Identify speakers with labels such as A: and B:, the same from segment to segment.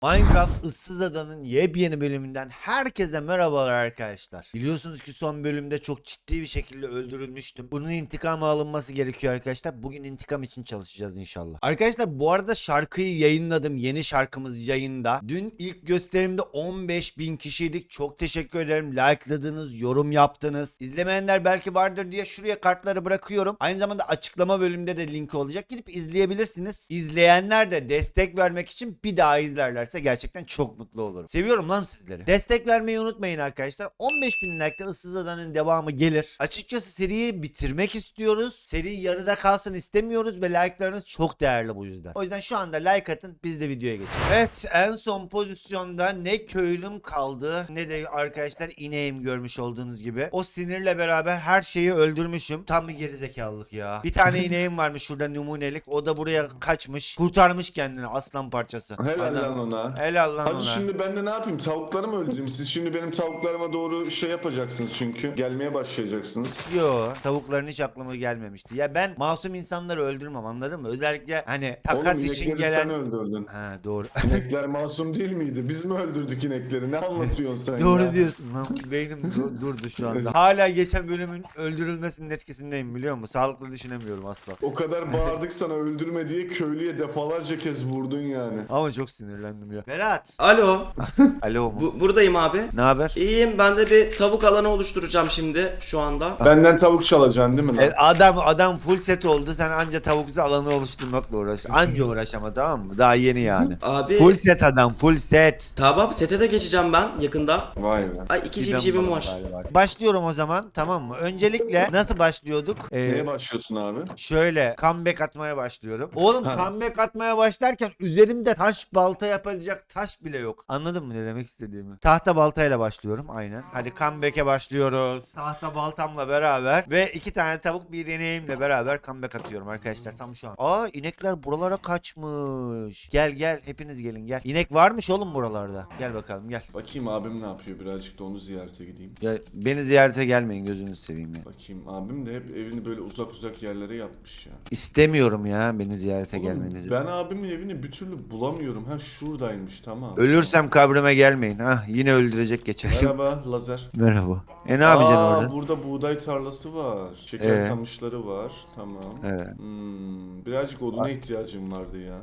A: Minecraft Issız Ada'nın yepyeni bölümünden herkese merhabalar arkadaşlar. Biliyorsunuz ki son bölümde çok ciddi bir şekilde öldürülmüştüm. Bunun intikamı alınması gerekiyor arkadaşlar. Bugün intikam için çalışacağız inşallah. Arkadaşlar bu arada şarkıyı yayınladım. Yeni şarkımız yayında. Dün ilk gösterimde 15.000 kişiydik. Çok teşekkür ederim. Like'ladınız, yorum yaptınız. İzlemeyenler belki vardır diye şuraya kartları bırakıyorum. Aynı zamanda açıklama bölümünde de linki olacak. Gidip izleyebilirsiniz. İzleyenler de destek vermek için bir daha izlerlerse gerçekten çok mutlu olurum. Seviyorum lan sizleri. Destek vermeyi unutmayın arkadaşlar. 15.000 like'da Issız Ada'nın devamı gelir. Açıkçası seriyi bitirmek istiyoruz. Seri yarıda kalsın istemiyoruz ve like'larınız çok değerli bu yüzden. O yüzden şu anda like atın, biz de videoya geçelim. Evet, en son pozisyonda ne köylüm kaldı ne de arkadaşlar ineğim, görmüş olduğunuz gibi. O sinirle beraber her şeyi öldürmüşüm. Tam bir gerizekalılık ya. Bir tane ineğim varmış şurada numunelik. O da buraya kaçmış. Kurtarmış kendini, aslan parçası.
B: Helal
A: Adam-
B: lan ona.
A: Helal lan
B: Hadi
A: ona.
B: şimdi ben de ne yapayım? Tavukları mı öldüreyim? Siz şimdi benim tavuklarıma doğru şey yapacaksınız çünkü. Gelmeye başlayacaksınız.
A: Yo, tavukların hiç aklıma gelmemişti. Ya ben masum insanları öldürmem, anladın mı? Özellikle hani takas
B: Oğlum
A: için
B: inekleri
A: gelen...
B: sen öldürdün.
A: Ha doğru.
B: İnekler masum değil miydi? Biz mi öldürdük inekleri? Ne anlatıyorsun sen
A: Doğru
B: ya?
A: diyorsun lan. Beynim durdu şu anda. Hala geçen bölümün öldürülmesinin etkisindeyim, biliyor musun? Sağlıklı düşünemiyorum asla.
B: O kadar bağırdık sana öldürme diye köylüye defalarca kez vurdun yani.
A: Ama çok sinirlendim ya. Berat.
C: Alo,
A: Alo mu?
C: buradayım abi.
A: Ne haber?
C: İyiyim, ben de bir tavuk alanı oluşturacağım şimdi şu anda.
B: Benden tavuk çalacaksın değil mi lan?
A: Adam full set oldu. Sen anca tavuk alanı oluşturmakla uğraş. Anca uğraş ama, tamam mı? Daha yeni yani.
C: Abi,
A: Full set adam, full set.
C: tamam sete de geçeceğim ben yakında.
B: Vay be.
C: Ay iki civcivim var.
A: Başlıyorum o zaman, tamam mı? Öncelikle nasıl başlıyorduk?
B: Neye başlıyorsun abi?
A: Şöyle comeback atmaya başlıyorum. Oğlum
B: Ha.
A: comeback atmaya başlarken üzerimde taş balta yapacak taş bile yok. Anladın mı ne demek istediğimi? Tahta baltayla başlıyorum aynen. Hadi comeback'e başlıyoruz. Tahta baltamla beraber ve 2 tane tavuk bir ineğimle beraber comeback atıyorum arkadaşlar tam şu an. Aa, inekler buralara kaçmış. Gel hepiniz gelin gel. İnek varmış oğlum buralarda. Gel bakalım gel.
B: Bakayım abim ne yapıyor, birazcık da onu ziyarete gideyim.
A: Ya beni ziyarete gelmeyin, gözünüzü seveyim ya.
B: Bakayım abim de hep evini böyle uzak yerlere yapmış ya.
A: İstemiyorum ya beni ziyarete
B: Oğlum,
A: gelmenizi.
B: ben abimin evini bir türlü bulamıyorum. Ha şuradaymış, tamam.
A: Ölürsem kabrime gelmeyin. Hah, yine öldürecek geçer.
B: Merhaba Lazer.
A: Merhaba. Ne yapacaksın
B: Aa,
A: orada?
B: burada buğday tarlası var. Şeker
A: Ee?
B: kamışları var. Tamam.
A: Evet.
B: Birazcık oduna ihtiyacım vardı ya.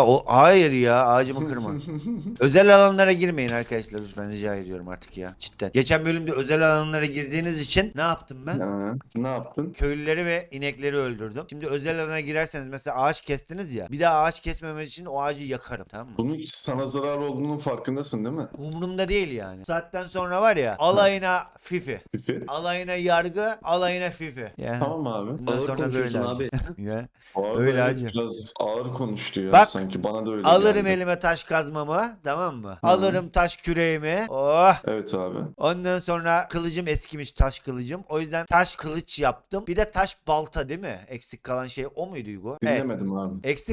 A: Hayır ya, ağacımı kırma. Özel alanlara girmeyin arkadaşlar, lütfen rica ediyorum artık ya. Cidden. Geçen bölümde özel alanlara girdiğiniz için ne yaptım ben?
B: Ha, ne yaptın?
A: Köylüleri ve inekleri öldürdüm. Şimdi özel alana girerseniz mesela ağaç kestiniz ya. Bir daha ağaç kesmemek için o ağacı yakarım, tamam mı?
B: Bunun sana zarar olduğunun farkındasın değil mi?
A: Umurumda değil yani. Bu saatten sonra var ya, alayına fifi.
B: Fifi.
A: Alayına yargı, alayına fifi. Ya.
B: Tamam abi.
A: Bundan
C: Ağır
A: sonra böyle
C: konuşuyorsun
A: abi. Ya.
B: Ağır,
A: Öyle
B: evet,
A: hacı.
B: biraz ağır konuştu ya
A: Bak,
B: sanki, bana da öyle
A: Alırım
B: geldi.
A: elime taş kazmamı, tamam mı? Alırım taş küreğimi. Oh.
B: Evet abi.
A: Ondan sonra kılıcım eskimiş, taş kılıcım. O yüzden taş kılıç yaptım. Bir de taş balta, değil mi? Eksik kalan şey o muydu Hugo? Evet.
B: Dinlemedim abi.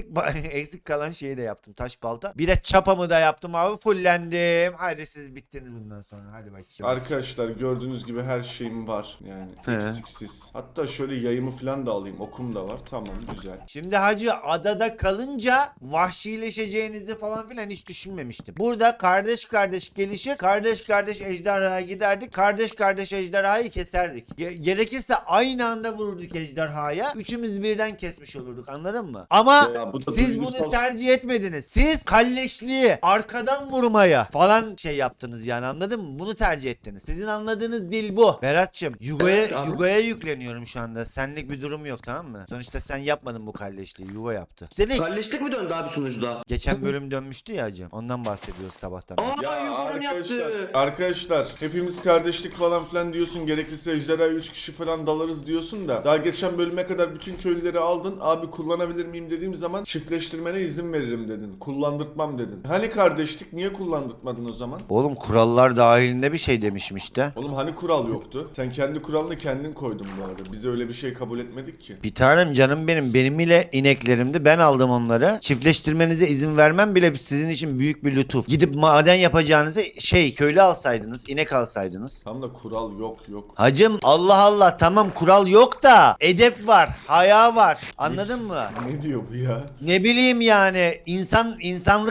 A: Eksik kalan şeyi de yaptım, taş balta. Bir de çapamı da yaptım abi, fullendim. Hadi siz bittiniz bundan sonra. Hadi bakayım.
B: Arkadaşlar gördüğünüz gibi her şeyim var yani
A: He.
B: eksiksiz. Hatta şöyle yayımı falan da alayım, okum da var, tamam güzel.
A: Şimdi hacı, adada kalınca vahşileşeceğinizi falan filan hiç düşünmemiştim. Burada kardeş kardeş gelişir, kardeş kardeş ejderhaya giderdik, kardeş kardeş ejderhayı keserdik. Gerekirse aynı anda vururduk ejderhaya, üçümüz birden kesmiş olurduk, anladın mı? Ama
B: Ya bu da
A: siz
B: duygusal-
A: bunu tercih etmediniz. Siz kalleşliği, arkadan vurmaya falan şey yaptınız yani, anladın mı? Bunu tercih ettiniz. Sizin anladığınız dil bu. Berat'cığım,
C: Evet abi.
A: Yugo'ya yükleniyorum şu anda. Senlik bir durum yok, tamam mı? Sonuçta sen yapmadın bu kalleşliği. Yugo yaptı. Üstelik
C: Kalleşlik mi döndü abi sunucuda?
A: geçen bölüm dönmüştü ya hacım. Ondan bahsediyoruz sabahtan beri.
C: Aa,
B: Ya
C: yukarı yaptı.
B: arkadaşlar hepimiz kardeşlik falan filan diyorsun, gerekirse ejderhaya 3 kişi falan dalarız diyorsun da daha geçen bölüme kadar bütün köylüleri aldın, abi kullanabilir miyim dediğim zaman çiftleştirmene izin veririm dedin, kullandırtmam dedin. Hani kardeşlik, niye kullandırtmadın o zaman?
A: Oğlum, kurallar dahilinde bir şey demişim işte.
B: Oğlum hani kural yoktu? Sen kendi kuralını kendin koydun bu arada. Biz öyle bir şey kabul etmedik ki.
A: Bir tanem canım benim ile ineklerimdi. Ben aldım onları. Çiftleştirmenize izin vermem bile sizin için büyük bir lütuf. Gidip maden yapacağınızı köylü alsaydınız, inek alsaydınız.
B: Tam da kural yok.
A: Hacım, Allah Allah, tamam kural yok da edep var, haya var. Anladın mı?
B: Ne diyor bu ya?
A: Ne bileyim yani, insanlık diye bir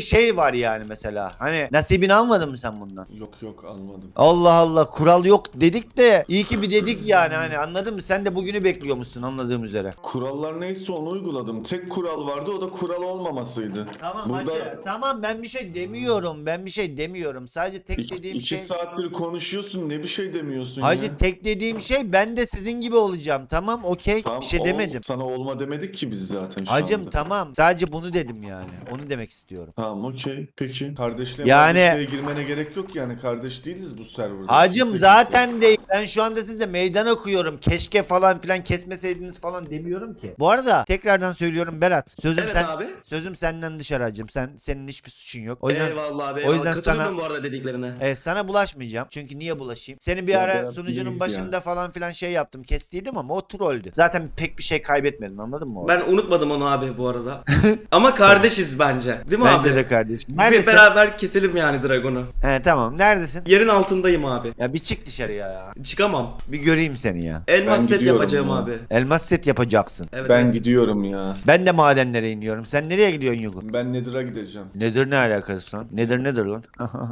A: şey var yani mesela. Hani nasibini almadın mı sen bundan?
B: Yok almadım.
A: Allah Allah, kural yok dedik de iyi ki bir dedik yani, hani anladın mı? Sen de bugünü bekliyormuşsun anladığım üzere.
B: Kurallar neyse onu uyguladım. Tek kural vardı, o da kural olmamasıydı.
A: Tamam
B: Burada
A: hacı, tamam, ben bir şey demiyorum. Sadece tek dediğim
B: iki
A: şey...
B: saattir konuşuyorsun, ne bir şey demiyorsun
A: Hacı
B: ya.
A: tek dediğim şey, ben de sizin gibi olacağım, tamam okey,
B: Tamam,
A: bir şey
B: ol,
A: demedim.
B: sana olma demedik ki biz zaten şu
A: Hacım
B: anda.
A: tamam, sadece bunu dedim yani, onu demek istiyorum.
B: Tamam okey peki. Kardeşliğe
A: Yani-
B: kardeşliğe girmene gerek yok yani, kardeş değiliz bu serverda.
A: Hacım
B: Kimse
A: zaten değil, ben şu anda size meydan okuyorum, keşke falan filan kesmeseydiniz falan demiyorum ki. Bu arada tekrardan söylüyorum Berat,
C: Evet abi.
A: sözüm senden dışarı hacım, senin hiçbir suçun yok. O yüzden
C: Eyvallah abi.
A: o
C: Eyvallah.
A: yüzden
C: Katılıyorum
A: sana-
C: bu arada dediklerine.
A: sana bulaşmayacağım. Çünkü niye bulaşayım? Seni bir
B: Ya
A: ara
B: Berat,
A: sunucunun
B: iyiyiz
A: başında falan filan şey yaptım, kestiydim ama o trolldü. Zaten pek bir şey kaybetmedin, anladın mı? orada?
C: Ben unutmadım onu abi bu arada. Ama kardeşiz bence. Değil mi
A: Bence
C: abi?
A: de kardeşim.
C: Bir
A: Neredesin?
C: beraber keselim yani Dragon'u.
A: He tamam, neredesin?
C: Yerin altındayım abi.
A: Ya bir çık dışarıya ya.
C: Çıkamam.
A: Bir göreyim seni ya.
C: Elmas
B: Ben
C: set
B: gidiyorum
C: yapacağım
B: ya.
C: abi.
A: Elmas set yapacaksın.
C: Evet.
B: Ben
C: evet.
B: gidiyorum ya.
A: Ben de madenlere iniyorum. Sen nereye gidiyorsun Yugo?
B: Ben Nether'a gideceğim.
A: Nedir, ne alakası lan? Nedir lan?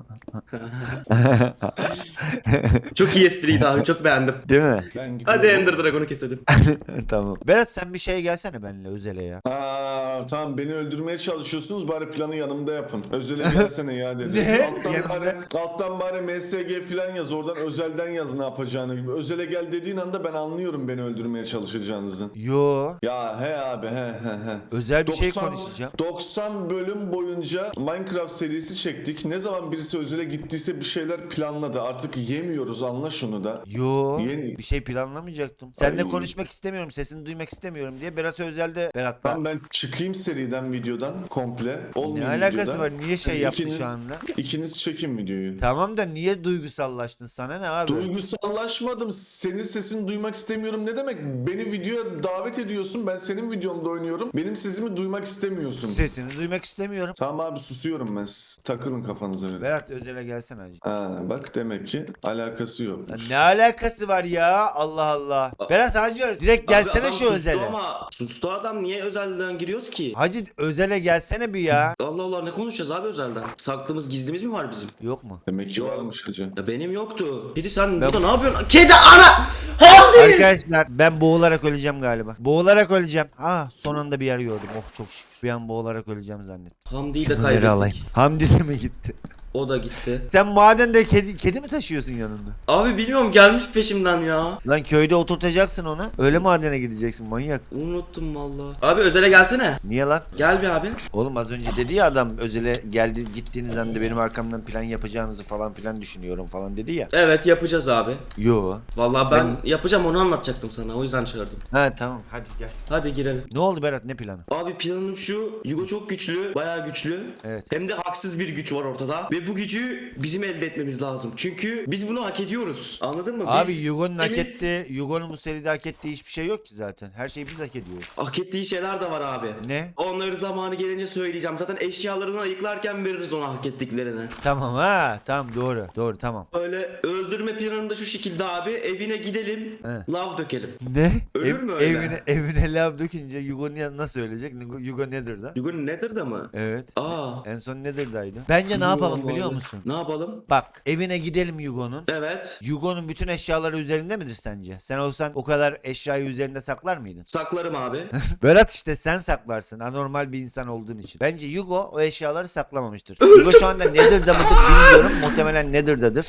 C: Çok iyi espriydi abi. Çok beğendim.
A: Değil mi?
B: Ben gidiyorum.
C: Hadi Ender Dragon'u keselim.
A: Tamam. Berat sen bir şey gelsene benimle özele ya.
B: Tamam, beni öldürmeye çalışıyorsunuz, bari planı yanımda yapın. Özele gelsene ya dedi.
A: Ne?
B: Alttan
A: Yanımda?
B: alttan bari MSG falan yaz, oradan özelden yaz ne yapacağını gibi. Özele gel dediğin anda ben anlıyorum beni öldürmeye çalışacağınızı.
A: Yo.
B: Ya he abi he.
A: Özel bir şey konuşacağım.
B: 90 bölüm boyunca Minecraft serisi çektik. Ne zaman birisi özele gittiyse bir şeyler planladı. Artık yemiyoruz, anla şunu da.
A: Yo.
B: Yeni-
A: Bir şey planlamayacaktım. Seninle
B: Ay.
A: konuşmak istemiyorum. Sesini duymak istemiyorum diye Berat özelde Berat'la.
B: Tamam, ben çıkayım seriden, videodan komple.
A: Ne
B: Olmuyor
A: alakası
B: videoda.
A: var? Niye şey
B: Siz
A: yaptı
B: ikiniz-
A: şu anda?
B: İkiniz çekin videoyu.
A: Tamam da niye duygusallaştın, sana ne abi?
B: Duygusallaşmadım. Senin sesini duymak istemiyorum ne demek? Beni videoya davet ediyorsun. Ben senin videomda oynuyorum. Benim sesimi duymak istemiyorsun.
A: Sesini duymak istemiyorum.
B: Tamam abi, susuyorum ben. Siz takılın kafanıza öyle.
A: Berat özele gelsene hacı.
B: Bak demek ki alakası
A: Lan
B: yok.
A: ne alakası var ya? Allah Allah. Berat hacı direkt gelsene
C: Abi adam
A: şu
C: sustu
A: özele.
C: ama sustu adam, niye özelden giriyoruz ki?
A: Hacı özele gelsene bir ya.
C: Allah Allah, ne konuşacağız abi özelden? Saklımız gizlimiz mi var bizim?
A: Yok mu?
B: Demek ki
C: Yok.
B: varmış hacı.
C: Ya benim yoktu. Kedi sen burada ne yapıyorsun? Kedi ana! Hamdi!
A: Arkadaşlar ben boğularak öleceğim galiba. Boğularak öleceğim. Son anda bir yer gördüm. Oh çok şükür. Bir an boğularak öleceğim zannettim.
C: Hamdi'yi de
A: Nereye alayım?
C: kaybettik.
A: Hamdi de mi gitti?
C: O da gitti.
A: Sen madende kedi mi taşıyorsun yanında?
C: Abi bilmiyorum, gelmiş peşimden ya.
A: Lan köyde oturtacaksın onu. Öyle madene gideceksin manyak.
C: Unuttum valla. Abi özele gelsene.
A: Niye lan?
C: Gel bir abi.
A: Oğlum az önce dedi ya adam, özele geldi gittiğiniz anda benim arkamdan plan yapacağınızı falan filan düşünüyorum falan dedi ya.
C: Evet yapacağız abi.
A: Yo.
C: Vallahi ben yapacağım, onu anlatacaktım sana. O yüzden çağırdım.
A: Ha tamam hadi gel.
C: Hadi girelim.
A: Ne oldu Berat, ne planı?
C: Abi planım şu. Yugo çok güçlü. Bayağı güçlü.
A: Evet.
C: Hem de haksız bir güç var ortada. Ve bu gücü bizim elde etmemiz lazım. Çünkü biz bunu hak ediyoruz. Anladın mı?
A: Abi
C: Biz
A: Yugo'nun hak
C: ikimiz-
A: ettiği, Yugo'nun bu seride hak ettiği hiçbir şey yok ki zaten. Her şeyi biz hak ediyoruz.
C: Hak ettiği şeyler de var abi.
A: Ne?
C: Onları zamanı gelince söyleyeceğim. Zaten eşyalarını ayıklarken veririz ona hak ettiklerini.
A: Tamam tamam doğru tamam.
C: Öyle öldürme planım da şu şekilde abi. Evine gidelim.
A: He.
C: Lav dökelim.
A: Ne?
C: Ölür mü öyle?
A: Evine lav dökünce Yugo nasıl ölecek? Yugo nedir da?
C: Yugo Nether'da mı?
A: Evet.
C: Aa.
A: En son Nether'daydı. Bence ne yapalım biliyor musun?
C: Ne yapalım?
A: Bak evine gidelim Yugo'nun.
C: Evet.
A: Yugo'nun bütün eşyaları üzerinde midir sence? Sen olsan o kadar eşyayı üzerinde saklar mıydın?
C: Saklarım abi.
A: Berat işte sen saklarsın. Anormal bir insan olduğun için. Bence Yugo o eşyaları saklamamıştır. Yugo şu anda Nether'da mıdır bilmiyorum. Muhtemelen Nether'dadır.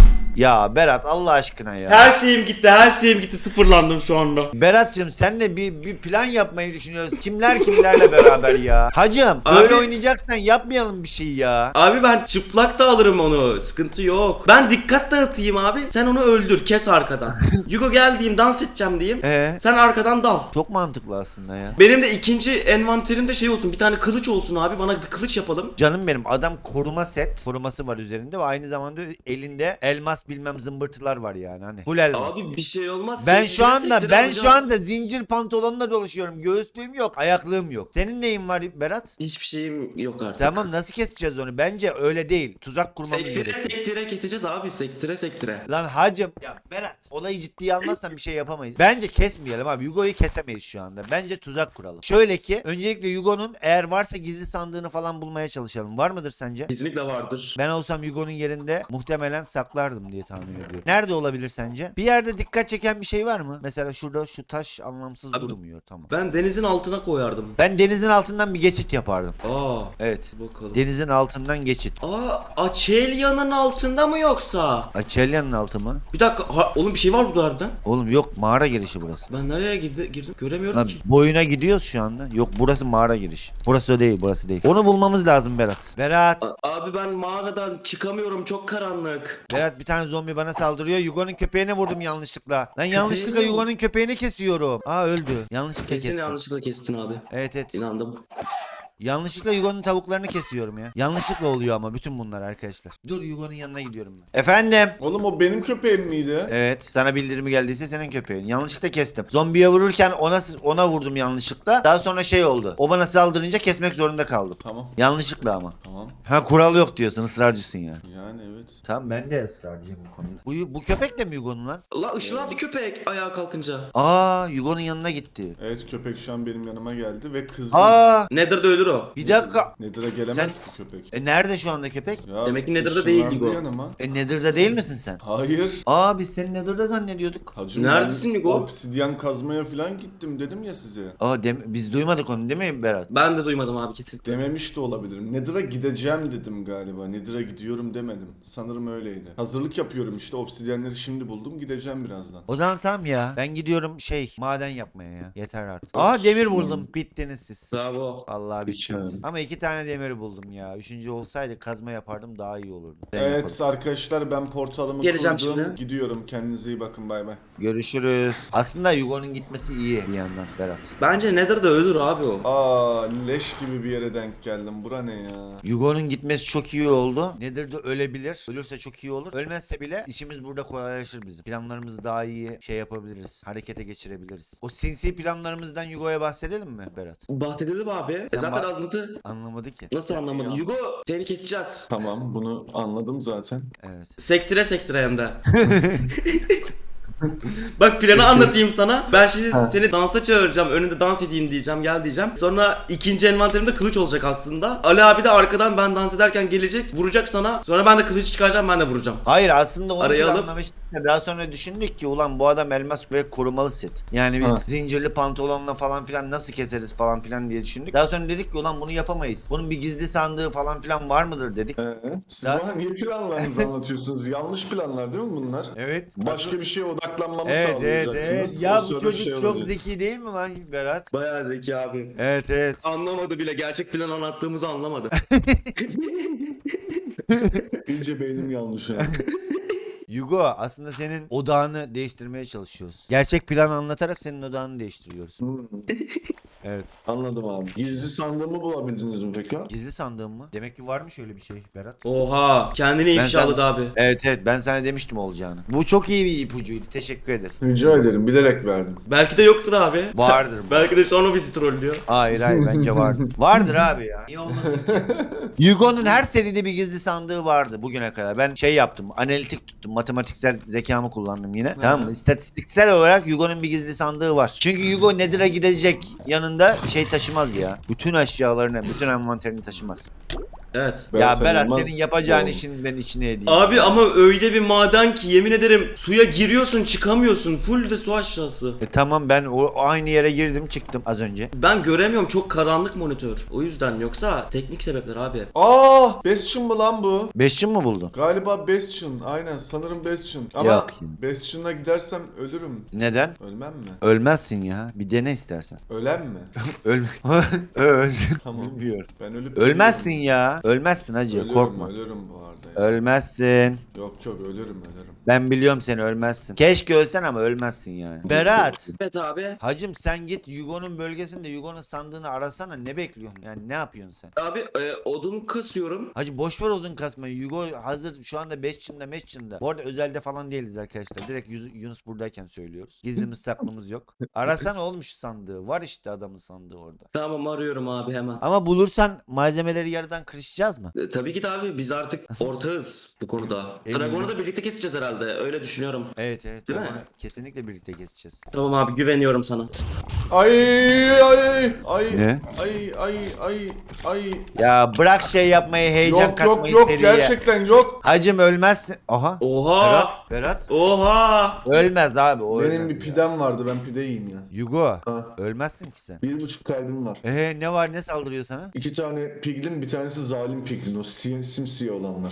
A: Ya Berat Allah aşkına ya.
C: Her şeyim gitti. Her şeyim gitti. Sıfırlandım şu anda.
A: Berat'cığım senle bir plan yapmayı düşünüyoruz. Kimlerle beraber ya. Hacım böyle
C: Abi-
A: oynayacaksan yapmayalım bir şey ya.
C: Abi ben çıplak da alırım onu. Sıkıntı yok. Ben dikkat dağıtayım abi. Sen onu öldür. Kes arkadan. Yugo gel diyeyim. Dans edeceğim diyeyim. Sen arkadan dal.
A: Çok mantıklı aslında ya.
C: Benim de ikinci envanterimde şey olsun. Bir tane kılıç olsun abi. Bana bir kılıç yapalım.
A: Canım benim, adam koruma set. Koruması var üzerinde ve aynı zamanda elinde elmas elmas bilmem zımbırtılar var yani hani. Full elmas.
C: Abi bir şey olmaz.
A: Ben
C: Sektire
A: şu anda
C: sektire
A: ben şu
C: alacağız.
A: anda zincir pantolonla dolaşıyorum. Göğüslüğüm yok, ayaklığım yok. Senin neyin var Berat?
C: Hiçbir şeyim yok artık.
A: Tamam, nasıl keseceğiz onu? Bence öyle değil. Tuzak kurmamız
C: Sektire
A: gerekiyor.
C: sektire keseceğiz abi. Sektire sektire.
A: Lan hacım ya Berat, olayı ciddiye almazsan bir şey yapamayız. Bence kesmeyelim abi. Yugo'yu kesemeyiz şu anda. Bence tuzak kuralım. Şöyle ki öncelikle Yugo'nun eğer varsa gizli sandığını falan bulmaya çalışalım. Var mıdır sence?
C: Kesinlikle vardır.
A: Ben olsam Yugo'nun yerinde muhtemelen saklardım diye tahmin ediyorum. Nerede olabilir sence? Bir yerde dikkat çeken bir şey var mı? Mesela şurada şu taş anlamsız
C: Abi-
A: durmuyor. Tamam.
C: Ben denizin altına koyardım.
A: Ben denizin altından bir geçit yapardım.
C: Aa.
A: Evet.
C: Bakalım.
A: Denizin altından geçit.
C: Aa, Açelya'nın altında mı yoksa?
A: Açelya'nın altı mı?
C: Bir dakika. Oğlum bir şey var burada harbiden.
A: Oğlum yok, mağara girişi burası.
C: Ben nereye girdim? Göremiyorum
A: Lan
C: ki.
A: boyuna gidiyoruz şu anda. Yok, burası mağara girişi. Burası değil, burası değil. Onu bulmamız lazım Berat. Berat.
C: Abi ben mağaradan çıkamıyorum. Çok karanlık.
A: Berat, bir tane zombi bana saldırıyor. Yugo'nun köpeğine vurdum yanlışlıkla. Lan yanlışlıkla
C: Köpeğini mi?
A: Yugo'nun köpeğini kesiyorum. Aa, öldü. Yanlışlıkla
C: Kesin
A: kestim.
C: yanlışlıkla kestin abi.
A: Evet evet.
C: İnandım.
A: Yanlışlıkla Yugo'nun tavuklarını kesiyorum ya. Yanlışlıkla oluyor ama bütün bunlar arkadaşlar. Dur, Yugo'nun yanına gidiyorum ben. Efendim.
B: Oğlum o benim köpeğim miydi?
A: Evet. Sana bildirimi geldiyse senin köpeğin. Yanlışlıkla kestim. Zombiye vururken ona vurdum yanlışlıkla. Daha sonra şey oldu. O bana saldırınca kesmek zorunda kaldım.
B: Tamam.
A: Yanlışlıkla ama.
B: Tamam.
A: Ha, kural yok diyorsun, ısrarcısın yani.
B: Yani evet.
A: Tamam, ben de ısrarcıyım bu konuda. Bu köpek de mi Yugo'nun lan?
C: La ışınlandı köpek ayağa kalkınca.
A: Aa, Yugo'nun yanına gitti.
B: Evet, köpek şu an benim yanıma geldi ve kızdı.
A: Aa,
C: Nether'da ölür o.
A: bir dakika.
B: Nedir'e gelemez ki köpek.
A: Nerede şu anda köpek?
B: Ya,
C: Demek ki Nether'da
B: ışınlandı
C: değil Hugo.
B: yanıma.
A: Nether'da değil misin sen?
B: Hayır.
A: Aa, biz seni Nether'da zannediyorduk.
B: Hacım,
C: Neredesin
B: ben
C: Hugo?
B: obsidyen kazmaya falan gittim dedim ya size.
A: Aa, biz duymadık onu değil mi Berat?
C: Ben de duymadım abi kesinlikle.
B: Dememiş de olabilirim. Nedir'e gideceğim dedim galiba. Nedir'e gidiyorum demedim. Sanırım öyleydi. Hazırlık yapıyorum işte. Obsidyenleri şimdi buldum. Gideceğim birazdan.
A: O zaman tamam ya. Ben gidiyorum maden yapmaya ya. Yeter artık. Aa, demir buldum. Bittiniz siz.
C: Bravo.
A: Vallahi bittiniz.
B: İki.
A: Ama 2 tane demir buldum ya. 3. olsaydı kazma yapardım, daha iyi olurdu. Ben
B: Evet
A: yaparım.
B: arkadaşlar, ben portalımı
C: Geleceğim
B: kurdum.
C: şimdi.
B: Gidiyorum. Kendinize iyi bakın. Bay bay.
A: Görüşürüz. Aslında Yugo'nun gitmesi iyi bir yandan Berat.
C: Bence Nether'da ölür abi o.
B: Aa, leş gibi bir yere denk geldim. Bura ne ya?
A: Yugo'nun gitmesi çok iyi oldu. Nether'da ölebilir. Ölürse çok iyi olur. Ölmezse bile işimiz burada kolaylaşır bizim. Planlarımızı daha iyi yapabiliriz. Harekete geçirebiliriz. O sinsi planlarımızdan Yugo'ya bahsedelim mi Berat?
C: Bahsedelim abi.
A: Sen
C: Zaten
A: bak-
C: anladı.
A: Anlamadı ki.
C: Nasıl anlamadın? Hugo seni keseceğiz.
B: Tamam, bunu anladım zaten.
A: Evet.
C: Sektire sektire hem de. Bak planı anlatayım sana. Ben şimdi seni dansa çağıracağım. Önünde dans edeyim diyeceğim. Gel diyeceğim. Sonra ikinci envanterimde kılıç olacak aslında. Ali abi de arkadan ben dans ederken gelecek. Vuracak sana. Sonra ben de kılıcı çıkaracağım. Ben de vuracağım.
A: Hayır, aslında onu
C: Araya alıp-
A: planlamıştık da daha sonra düşündük ki ulan bu adam elmas ve korumalı set. Yani biz
B: Ha.
A: zincirli pantolonla falan filan nasıl keseriz falan filan diye düşündük. Daha sonra dedik ki ulan bunu yapamayız. Bunun bir gizli sandığı falan filan var mıdır dedik.
B: Siz
A: Daha-
B: bana niye planlarınızı anlatıyorsunuz? Yanlış planlar değil mi bunlar?
A: Evet.
B: Başka bir şeye odaklanmamı
A: Evet evet
B: sağlayacaksınız.
A: evet. Ya
B: O
A: bu
B: sırada
A: çocuk
B: şey
A: çok
B: olacak.
A: zeki değil mi lan Berat?
C: Bayağı zeki abi.
A: Evet evet.
C: Anlamadı bile. Gerçek plan anlattığımızı anlamadı.
B: İyice beynim yanlış yani.
A: Yugo, aslında senin odağını değiştirmeye çalışıyoruz. Gerçek plan anlatarak senin odağını değiştiriyoruz. Evet.
B: Anladım abi. Gizli sandığımı bulabildiniz mi peki?
A: Gizli sandığım mı? Demek ki varmış öyle bir şey Berat.
C: Oha. Kendini
A: Ben
C: ifşaladı
A: sen-
C: abi.
A: Evet evet, ben sana demiştim olacağını. Bu çok iyi bir ipucuydu. Teşekkür ederiz.
B: Rica ederim, bilerek verdim.
C: Belki de yoktur abi.
A: Vardır.
C: Belki de sonra bizi trollüyor.
A: Hayır hayır, bence vardır. Vardır abi ya. Niye olmasın ki? Yugo'nun her seride bir gizli sandığı vardı bugüne kadar. Ben yaptım. Analitik tuttum. Matematiksel zekamı kullandım yine. Tamam mı? İstatistiksel olarak Yugo'nun bir gizli sandığı var. Çünkü Yugo Nether'a gidecek. Yanında taşımaz ya. Bütün eşyalarını, bütün envanterini taşımaz.
C: Evet.
A: Ya Berat,
B: Yılmaz
A: senin yapacağın
B: Doğru.
A: işin ben içine edeyim.
C: Abi ama öyle bir maden ki yemin ederim suya giriyorsun çıkamıyorsun. Full de su aşağısı.
A: Tamam, ben aynı yere girdim çıktım az önce.
C: Ben göremiyorum, çok karanlık monitör. O yüzden, yoksa teknik sebepler abi.
B: Aa, Bastion mı lan bu?
A: Bastion mu buldun?
B: Galiba Bastion. Aynen, sanırım Bastion. Ama
A: Yok.
B: Bastion'a gidersem ölürüm.
A: Neden?
B: Ölmem mi?
A: Ölmezsin ya. Bir dene istersen.
B: Ölen mi?
A: Öl. Öl.
B: Tamam.
A: Bilmiyorum.
B: Ben ölüp
A: Ölmezsin ya. Ölmezsin hacı,
B: Ölürüm,
A: korkma.
B: ölürüm bu arada ya.
A: Ölmezsin.
B: Yok ölürüm.
A: Ben biliyorum seni, ölmezsin. Keşke ölsen ama ölmezsin yani. Berat.
C: Evet abi.
A: Hacım sen git Yugo'nun bölgesinde Yugo'nun sandığını arasana, ne bekliyorsun yani, ne yapıyorsun sen?
C: Abi odun kasıyorum.
A: Hacı boş ver odun kasmayı. Yugo hazır şu anda 5 çimde 5 çimde. Bu arada özelde falan değiliz arkadaşlar. Direkt Yunus buradayken söylüyoruz. Gizlimiz saklımız yok. Arasana oğlum şu sandığı. Var işte adamın sandığı orada.
C: Tamam arıyorum abi hemen.
A: Ama bulursan malzemeleri yarıdan kırışacağız mı?
C: Tabii ki de abi biz artık ortağız bu konuda.
A: Eminim.
C: Dragon'u da birlikte keseceğiz herhalde. Öyle düşünüyorum.
A: Evet evet.
C: Değil mi?
A: Onu kesinlikle birlikte keseceğiz.
C: Tamam abi güveniyorum sana.
B: Ay.
A: Ne?
B: Ay.
A: Ya bırak şey yapmayı, heyecan
B: Yok
A: katmayı seriye.
B: gerçekten yok.
A: Hacım ölmezsin. Aha.
C: Oha!
A: Berat.
C: Oha!
A: Ölmez abi, o
B: Benim
A: ölmez
B: bir
A: ya.
B: pidem vardı, ben pide yiyeyim ya.
A: Yugo.
B: Ha.
A: Ölmezsin ki sen.
B: 1,5 kalbim var.
A: Ne var, ne saldırıyor sana?
B: 2 tane piglin, bir tanesi zalim piglin, o simsiyah olanlar.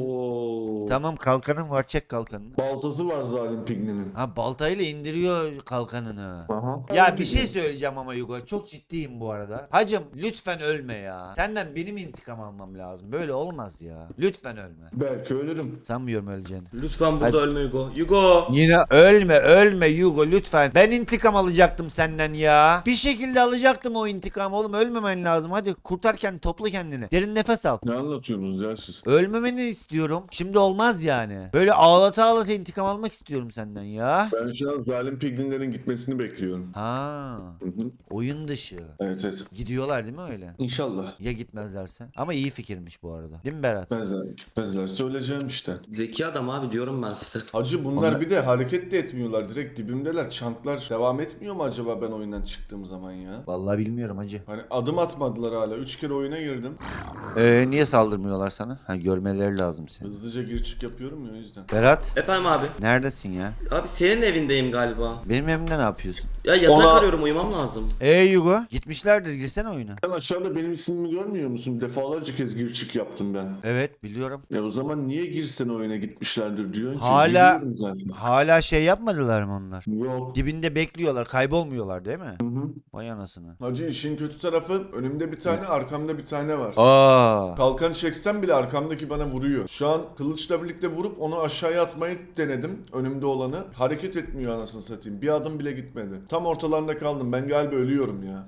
C: Oo.
A: Tamam, kalkanın var, çek kalkanını.
B: Baltası var zalim piglinin.
A: Ha, baltayla indiriyor kalkanını.
B: Aha.
A: Ya bir şey söyleyeceğim ama Yugo, çok ciddiyim bu arada. Hacım lütfen ölme ya. Senden benim intikam almam lazım. Böyle olmaz ya. Lütfen ölme.
B: Belki ölürüm.
A: Sanmıyorum öleceğini.
C: Lütfen burada
A: Hadi.
C: ölme Hugo. Hugo!
A: Yine ölme Yugo lütfen. Ben intikam alacaktım senden ya. Bir şekilde alacaktım o intikamı oğlum. Ölmemen lazım. Hadi kurtar kendini, topla kendini. Derin nefes al.
B: Ne anlatıyorsunuz ya siz?
A: Ölmemeni istiyorum. Şimdi olmaz yani. Böyle ağlata ağlata intikam almak istiyorum senden ya.
B: Ben şu an zalim piglinlerin gitmesini bekliyorum.
A: Ha, oyun dışı.
B: Evet.
A: Gidiyorlar değil mi öyle?
B: İnşallah.
A: Ya gitmezlerse? Ama iyi fikirmiş bu arada. Değil mi Berat?
B: Gitmezler. Söyleyeceğim işte.
C: Zeki adam abi diyorum ben size.
B: Hacı bunlar bir de hareket de etmiyorlar. Direkt dibimdeler. Çanklar devam etmiyor mu acaba ben oyundan çıktığım zaman ya?
A: Vallahi bilmiyorum hacı.
B: Hani adım atmadılar hala. 3 kere oyuna girdim.
A: Niye saldırmıyorlar sana? Ha, görmeleri lazım seni.
B: Hızlıca gir çık yapıyorum ya, o yüzden.
A: Berat,
C: Efendim abi.
A: neredesin ya?
C: Abi senin evindeyim galiba.
A: Benim evimde ne yapıyorsun?
C: Ya yatak
B: Ona-
C: arıyorum uyumam lazım.
A: Yugo, gitmişlerdir, girsene oyuna.
B: Sen aşağıda benim ismimi görmüyor musun? Defalarca kez gir çık yaptım ben.
A: Evet, biliyorum.
B: O zaman niye girsen oyuna gitmişlerdir diyorsun ki?
A: Hala-
B: Giriyorum zaten.
A: Hala şey yapmadılar mı onlar?
B: Yok.
A: Dibinde bekliyorlar, kaybolmuyorlar değil mi?
B: Hı hı.
A: Vay anasını.
B: Hacı işin kötü tarafı önümde bir tane, arkamda bir tane var.
A: Aa.
B: Kalkan çeksem bile arkamdaki bana vuruyor. Şu an kılıçla birlikte vurup onu aşağıya atmayı denedim. Önümde olanı. Hareket etmiyor anasını satayım. Bir adım bile gitmedi. Tam ortalarında kaldım. Ben galiba ölüyorum ya.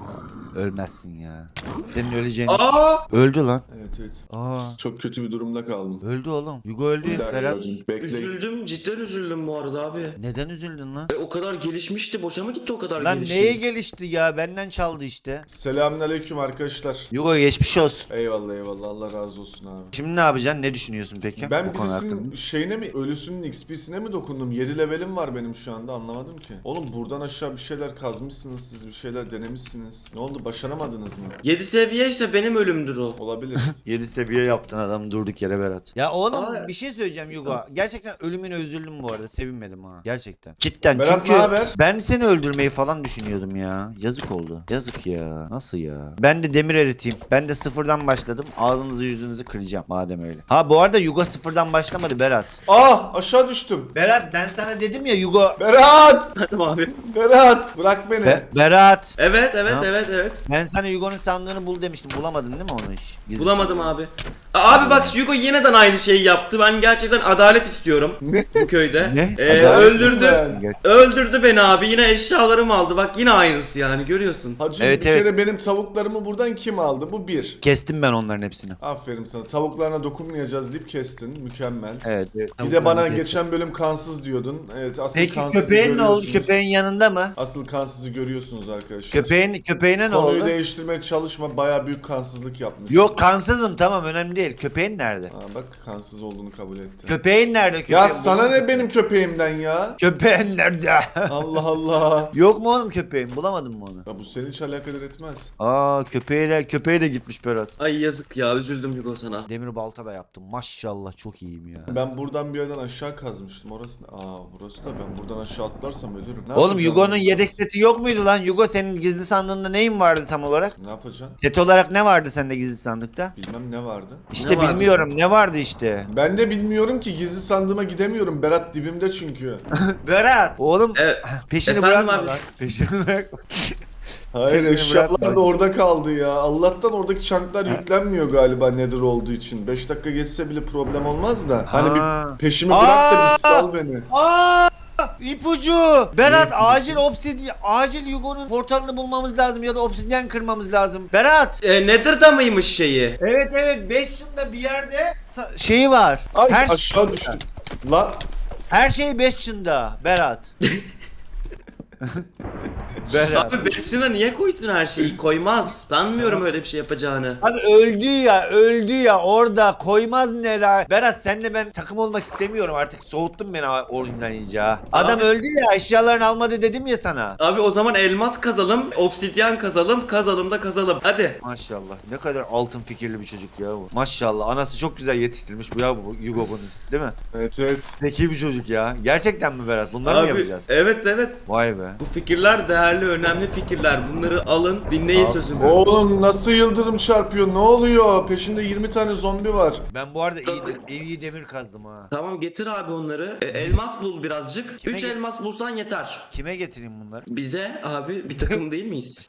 A: Ölmezsin ya. Senin öleceğini...
C: Aa!
A: Öldü lan.
B: Evet.
A: Aa.
B: Çok kötü bir durumda kaldım.
A: Öldü oğlum. Yugo öldü.
B: Bir dakika
A: Berat.
B: hocam, bekle.
C: Üzüldüm, cidden üzüldüm bu arada abi.
A: Neden üzüldün lan?
C: O kadar gelişmişti, boşa mı gitti o kadar
A: Lan
C: gelişim?
A: neye gelişti ya? Benden çaldı işte.
B: Selamünaleyküm arkadaşlar.
A: Yugo geçmiş olsun.
B: Eyvallah Allah razı olsun abi.
A: Şimdi ne yapacaksın? Ne düşünüyorsun peki?
B: Ben
A: bu konu
B: birisinin
A: hakkında?
B: şeyine mi, ölüsünün XP'sine mi dokundum? 7 levelim var benim şu anda, anlamadım ki. Oğlum buradan aşağı bir şeyler kazmışsınız, siz bir şeyler denemişsiniz. Ne oldu, başaramadınız mı?
C: 7 seviye ise benim ölümdür o.
B: Olabilir.
A: 7 seviye yaptın adam durduk yere Berat. Ya oğlum
C: Aa.
A: bir şey söyleyeceğim Yugo. Gerçekten ölümüne üzüldüm bu arada. Sevinmedim ha. Gerçekten. Cidden
B: Berat,
A: çünkü
B: ne haber?
A: ben seni öldürmeyi falan düşünüyordum ya. Yazık oldu. Yazık ya. Nasıl ya? Ben de demir eriteyim. Ben de sıfırdan başladım. Ağzınızı yüzünüzü kıracağım madem öyle. Ha bu arada Yugo sıfırdan başlamadı Berat.
B: Aşağı düştüm.
A: Berat ben sana dedim ya Yugo.
B: Berat!
C: Tamam abi.
B: Berat! Bırak beni.
A: Berat.
C: Evet.
A: Ha?
C: Evet.
A: Ben sana Yugo'nun sandığını bul demiştim. Bulamadın değil mi onu hiç? Gizli
C: Bulamadım abi. Abi bak Hugo yeniden aynı şeyi yaptı. Ben gerçekten adalet istiyorum bu köyde.
A: Ne?
C: Öldürdü.
A: sandığı.
C: Öldürdü beni abi. Yine eşyalarımı aldı. Bak yine aynısı yani görüyorsun.
B: Hacı
A: Evet,
B: bir
A: evet.
B: kere benim tavuklarımı buradan kim aldı? Bu bir.
A: Kestim ben onların hepsini.
B: Aferin sana. Tavuklarına dokunmayacağız deyip kestin. Mükemmel.
A: Evet.
B: Bir de bana geçen bölüm kansız diyordun. Evet, asıl
A: Peki
B: kansızı
A: köpeğin ne oldu?
B: görüyorsunuz.
A: Köpeğin yanında mı?
B: Asıl kansızı görüyorsunuz arkadaşlar.
A: Köpeğine ne
B: Konuyu
A: oldu?
B: değiştirmeye çalışma. Baya büyük kansızlık yapmışsın.
A: Yok kansızım tamam önemli değil. Köpeğin nerede?
B: Bak kansız olduğunu kabul etti.
A: Köpeğin nerede?
B: Ya
A: Köpeğin
B: sana ne benim köpeğimden ya?
A: Köpeğin nerede?
B: Allah Allah.
A: Yok mu oğlum köpeğin? Bulamadın mı onu?
B: Ya bu seni hiç alakadar etmez.
A: Aa köpeği de gitmiş Berat.
C: Ay yazık ya üzüldüm Hugo sana.
A: Demir balta da yaptım. Maşallah çok iyiyim ya.
B: Ben buradan bir yerden aşağı kazmıştım. Orası ne? Burası da, ben buradan aşağı atlarsam ölürüm. Ne
A: Oğlum
B: yapacağım
A: Yugo'nun
B: ben?
A: yedek seti yok muydu lan? Yugo senin gizli sandığında neyin vardı tam olarak?
B: Ne yapacaksın?
A: Set olarak ne vardı sende gizli sandıkta?
B: Bilmem ne vardı.
A: İşte
C: Ne vardı?
A: bilmiyorum ne vardı işte.
B: Ben de bilmiyorum ki, gizli sandığıma gidemiyorum. Berat dibimde çünkü.
A: Berat. Oğlum
C: Evet.
A: peşini
C: Efendim
A: bırakma
C: abi?
A: lan. Peşini bırakma.
B: Hayır,
A: Peşini
B: eşyalar
A: bırakma.
B: da orada kaldı ya. Allah'tan oradaki çanklar yüklenmiyor galiba Nether olduğu için. 5 dakika geçse bile problem olmaz da. Hani
A: Ha.
B: bir peşimi bırak da
A: Aa!
B: bir sal beni.
A: Aa! İpucu! Berat
B: Ne
A: acil acil Yugo'nun portalını bulmamız lazım ya da obsidyen kırmamız lazım. Berat!
C: Nether'da mıymış şeyi?
A: Evet 5 yılda bir yerde şeyi var.
B: Ay
A: her,
B: aşağı düştüm. Lan
A: her şey 5 yılda Berat. Berat.
C: Abi Bestion'a niye koysun her şeyi? Koymaz. Sanmıyorum öyle bir şey yapacağını.
A: Abi öldü ya orada koymaz neler. Berat senle ben takım olmak istemiyorum artık soğuttun beni oyundan iyice ha. Adam
C: Abi-
A: öldü ya eşyalarını almadı dedim ya sana.
C: Abi o zaman elmas kazalım, obsidyen kazalım, kazalım da kazalım. Hadi.
A: Maşallah ne kadar altın fikirli bir çocuk ya bu. Maşallah anası çok güzel yetiştirmiş bu ya bu Yugo bunu değil mi?
B: evet.
A: Zeki bir çocuk ya. Gerçekten mi Berat bunları mı
C: Abi
A: yapacağız?
C: evet.
A: Vay be.
C: Bu fikirler değerli, önemli fikirler. Bunları alın, dinleyin sözümü.
B: Oğlum nasıl yıldırım çarpıyor? Ne oluyor? Peşinde 20 tane zombi var.
A: Ben bu arada iyi demir kazdım ha.
C: Tamam getir abi onları. Elmas bul birazcık.
A: Kime
C: 3 elmas bulsan yeter.
A: Kime getireyim bunları?
C: Bize abi bir takım değil miyiz?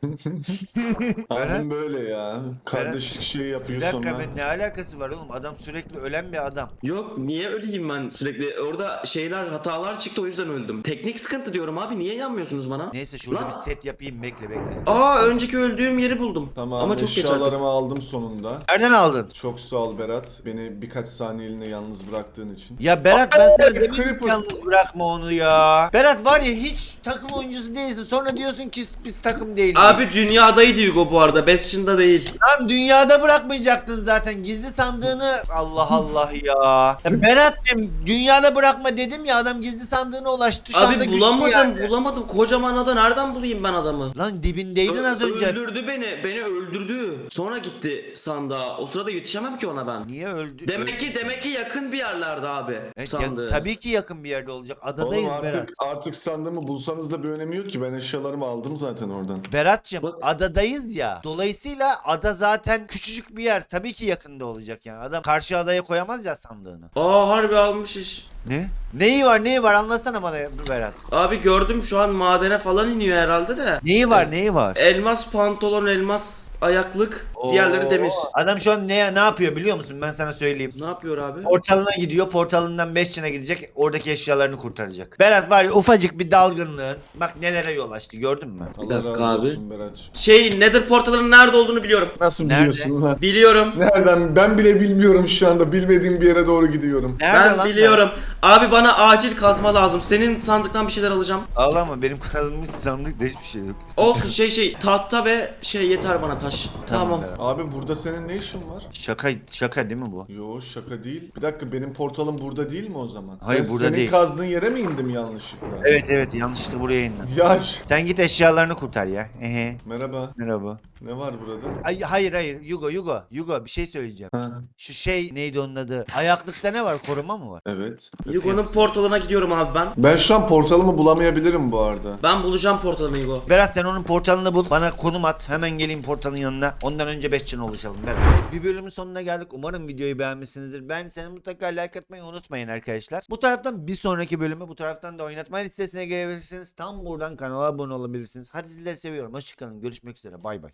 B: Abim böyle ya. Kardeşlik şey
A: Bir
B: yapıyor
A: dakika
B: sonra.
A: ben ne alakası var oğlum adam sürekli ölen bir adam.
C: Yok niye öleyim ben sürekli? Orada şeyler hatalar çıktı o yüzden öldüm. Teknik sıkıntı diyorum abi niye yanmıyorsunuz bana?
A: Neyse şurada
C: Lan.
A: bir set yapayım bekle.
C: Aa önceki öldüğüm yeri buldum.
B: Tamam,
C: Ama çok geç artık.
B: eşyalarımı aldım sonunda.
A: Nereden aldın?
B: Çok sağ ol Berat. Beni birkaç saniyeliğine yalnız bıraktığın için.
A: Ya Berat ben sana demedim ki
B: Creeper.
A: yalnız bırakma onu ya. Berat var ya hiç takım oyuncusu değilsin. Sonra diyorsun ki biz takım değiliz.
C: Abi dünyadaydı Hugo bu arada. Bastion'da değil.
A: Lan dünyada bırakmayacaktın zaten. Gizli sandığını Allah Allah ya. Ya Berat'cığım dünyada bırakma dedim ya adam gizli sandığına ulaştı. Şu anda
C: Abi
A: güçlü
C: bulamadım
A: yani.
C: bulamadım. Kocaman ada nereden bulayım ben adamı?
A: Lan dibindeydin az önce.
C: Öldürdü beni. Beni öldürdü. Sonra gitti sandığa. O sırada yetişemem ki ona ben.
A: Niye öldü?
C: Demek ki yakın bir yerlerde abi.
A: Evet,
C: sandığı.
A: tabii ki yakın bir yerde olacak. Adadayız
B: Oğlum
A: Berat.
B: artık sandığımı bulsanız da bir önemi yok ki. Ben eşyalarımı aldım zaten oradan.
A: Berat'cığım
C: Bak-
A: adadayız ya. Dolayısıyla ada zaten küçücük bir yer. Tabii ki yakında olacak yani. Adam karşı adaya koyamaz ya sandığını.
C: Aa harbi almış iş.
A: Ne? Neyi var anlatsana bana Berat.
C: Abi gördüm şu an madene falan iniyor herhalde de.
A: Neyi var?
C: Elmas pantolon, elmas ayaklık, diğerleri demir.
A: Adam şu an ne yapıyor biliyor musun? Ben sana söyleyeyim.
C: Ne yapıyor abi?
A: Portalına gidiyor. Portalından 5 çına gidecek. Oradaki eşyalarını kurtaracak. Berat var ya ufacık bir dalgınlığın. Bak nelere yol açtı gördün mü?
B: Allah
C: dakika
B: razı
C: abi.
B: olsun Berat'cığım.
C: Şey Nether portalının nerede olduğunu biliyorum.
B: Nasıl
A: Nerede?
B: biliyorsun lan?
C: Biliyorum.
B: Nereden? Ben bile bilmiyorum şu anda. Bilmediğim bir yere doğru gidiyorum.
A: Nerede
C: Ben
A: lan
C: biliyorum. Abi bana acil kazma lazım. Senin sandıktan bir şeyler alacağım.
A: Ağlama benim kazmış sandıkta hiçbir şey yok.
C: Olsun şey tahta ve şey yeter bana taş. Tamam.
A: Berat.
B: Abi burada senin ne işin var?
A: Şaka değil mi bu?
B: Yo şaka değil. Bir dakika benim portalım burada değil mi o zaman?
A: Hayır,
B: Ben
A: burada
B: senin
A: değil.
B: kazdığın yere mi indim yanlışlıkla?
A: Evet yanlışlıkla buraya indin.
B: Yaş.
A: Sen git eşyalarını kurtar ya. Ehe.
B: Merhaba.
A: Merhaba.
B: Ne var burada?
A: Ay, hayır Yugo bir şey söyleyeceğim.
B: Ha.
A: Şu şey neydi onun adı? Ayaklıkta ne var? Koruma mı var?
B: Evet.
C: Yugo'nun portalına gidiyorum abi ben.
B: Ben şu an portalımı bulamayabilirim bu arada.
C: Ben bulacağım portalını Yugo.
A: Berat sen onun portalını bul. Bana konum at. Hemen geleyim portalın yanına. Ondan önce 5 can ulaşalım. Berat. Bir bölümün sonuna geldik. Umarım videoyu beğenmişsinizdir. Ben seni mutlaka like atmayı unutmayın arkadaşlar. Bu taraftan bir sonraki bölümü bu taraftan da oynatma listesine gelebilirsiniz. Tam buradan kanala abone olabilirsiniz. Hadi sizleri seviyorum. Hoşçakalın. Görüşmek üzere. Bay bay.